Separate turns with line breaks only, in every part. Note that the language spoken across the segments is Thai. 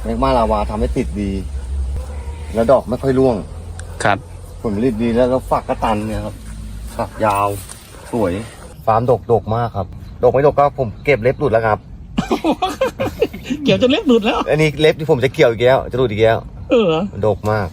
แมกมาลาวาทำให้ติดดี แล้วดอกไม่ค่อยร่วง
ครับ
ผลผลิตดีแล้วฝักกระตันเนี่ยครับฝักยาวสวยฟาร์มดกมากครับดกไม่ดกก็ผมเก็บเล็บหลุดแล้วครับ
เกี่ยวจนเล็บหลุดแล้ว
อันนี้เล็บที่ผมจะเกี่ยวอีกแล้วจะหลุดอีกแล้วดกมาก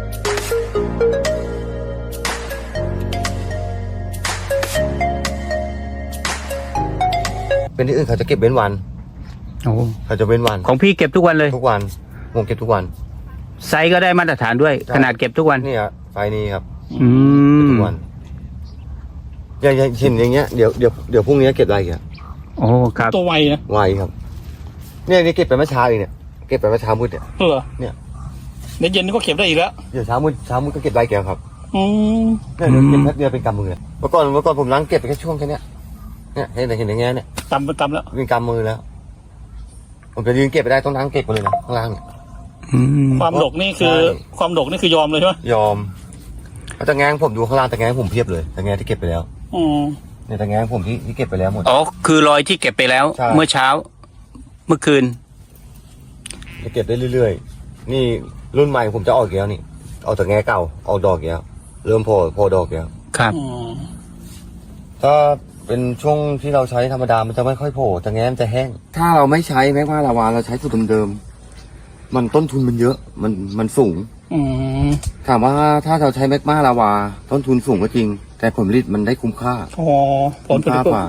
เป็นที่อื่นเขาจะเก็บเว้นวันเขาจะเว้นวัน
ของพี่เก็บทุกวันเลย
ทุกวันผมเก็บทุกวัน
ไซส์ก็ได้มาตรฐานด้วยขนาดเก็บทุกวัน
นี่ครับไฟนี้ครับทุกวันอย่างเช่นอย่างเงี้ยเดี๋ยวพรุ่งนี้เก็บอะไรกัน
โอ้ครับ
ตัวไวนะ
ไวครับเนี่ยนี่เก็บไปเมื่อเช้าเองเนี่ยเก็บไปเมื่อเช้ามืดเนี่ยเนี่ย
เดี๋ยวเย็นนี่ก็เก็บได้อีกแล้ว
เดี๋ยวเช้ามืดก็เก็บไรแกครับเนี่ยเก็บแป๊บเดียวเป็นกำมือเมื่อก่อนผมล้างเก็บไปแค่ช่วงแค่นี้เนี่ยเห็นอย่างเงี้ยเนี่ย
ตำแล้ว
เป็นกำมือแล้วผมจะยืนเก็บไปได้ต้องล้างเก็บไปเลยนะข้างล่างเนี่ย
ความดกนี่คือยอมเลยใช่ไหม
ยอมแต่แงงผมดูข้างล่างแต่แงงผมเพียบเลยแต่แงงที่เก็บไปแล้วเนี่ยแต่แงงผมที่เก็บไปแล้วหมด
อ๋อคือรอยที่เก็บไปแล้วเมื่อเช้าเมื่อคืน
จะเก็บได้เรื่อยๆนี่รุ่นใหม่ผมจะออกอีกแล้วนี่เอาแต่แงงเก่าออกดอกแล้วเริ่มพอดอกแล้ว
ครับ
ถ้าเป็นช่วงที่เราใช้ธรรมดามันจะไม่ค่อยโผล่แต่แงงมันจะแห้งถ้าเราไม่ใช้แมกมาลาวาเราใช้สูตรเดิมๆมันต้นทุนมันเยอะมันสูงถามว่าถ้าเราใช้แมกมาลาวาต้นทุนสูงก็จริงแต่ผลผลิตมันได้คุ้มค่า
ผลผลิต
กว่า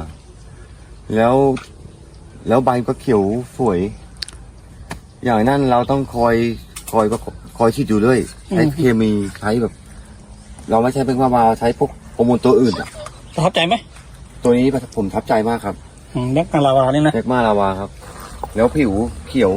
แล้วใบก็เขียวสวยอย่างนั้นเราต้องคอยฉีดอยู่เรื่อยใช้เคมีใช้แบบ เราไม่ใช้แมกมาลาวาใช้พวกฮอร์โมนตัวอื่น
ประทับใจไหม
ตัวนี้ผมทับใจมากครับ
แมกมาลาวานี่นะ
แมกมาลาวาครับแล้วผิวเขียว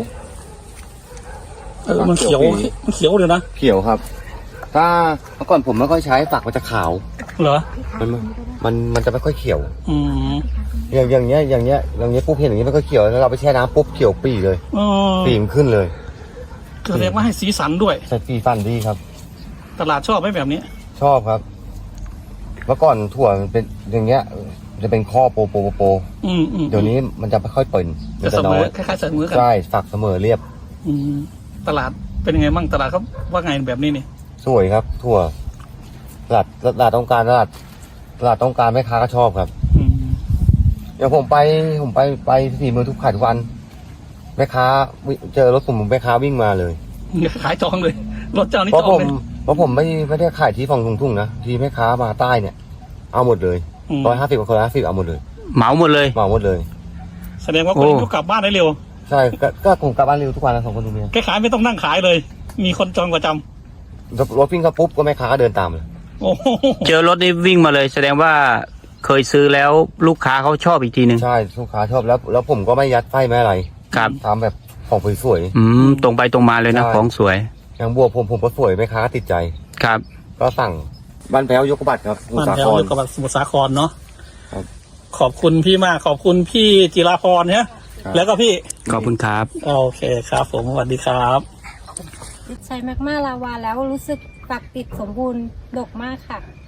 มันเขียวเลยนะ
เขียวครับถ้าเมื่อก่อนผมไม่ค่อยใช้ฝักมันจะขาว
เหรอ
มันจะไม่ค่อยเขียวอย่างเงี้ยปุ๊บเห็นอย่างเงี้ยไม่ค่อยเขียวแล้วเราไปแช่น้ำปุ๊บเขียวปีเลยปีมันขึ้นเลย
แสดงว่าให้สีสันด้วย
ใส่สีฟันดีครับ
ตลาดชอบไหมแบบนี้
ชอบครับเมื่อก่อนถั่วมันเป็นอย่างเงี้ยจะเป็นข้อโปเดี๋ยวนี้มันจะไม่ค่อยเปิ่น
จะเสมอคล้ายๆเสมอกัน
ใช่ฝักเสมอเรียบ
ตลาดเป็นยังไงบ้างตลาดเขาว่าไงแบบนี้นี่
สวยครับถั่วตลาดต้องการตลาดต้องการแม่ค้าก็ชอบครับเดี๋ยวผมไปสี่เมืองทุกขายทุกวันแม่ค้าเจอรถผมแม่ค้าวิ่งมาเลย
ขายจองเลยรถเจ้านี่จองเลย
เพราะผมไม่ได้ขายที่ฝั่งทุ่งนะที่แม่ค้ามาใต้เนี่ยเอาหมดเลย150กับคนละ50เอาหมดเลย
เหมาหมดเลย
แสดงว่าคนนี้กลับบ้านได้เร็ว
ใช่ก็ผมกลับบ้านเร็วทุกวันนะ2 คนตรงนี้
แกขายไม่ต้องนั่งขายเลยมีคนจองประจ
ำรถวิ่งเข้าปุ๊บก็แม่ค้าก็เดินตามเลย
เจอรถนี้วิ่งมาเลยแสดงว่าเคยซื้อแล้วลูกค้าเขาชอบอีกทีนึง
ใช่ลูกค้าชอบแล้วผมก็ไม่ยัดไส้ไม่อะไร
ครับ
ทำแบบของสวย
ตรงไปตรงมาเลยนะของสวย
อย่างบัวผมก็สวยแม่ค้าติดใจ
ครับ
ก็สั่งบ้านแพ้วยกบัตรครับ
บ้านแพ้วยกบัตรสมุทรสาครเนาะขอบคุณพี่มากขอบคุณพี่จิราพรเนี่ยแล้วก็พี่
ขอบคุณครับ
โอเคครับผมสวัสดีครับ
ใช้แมกมาลาวาแล้วรู้สึกฝักติดสมบูรณ์ดกมากค่ะ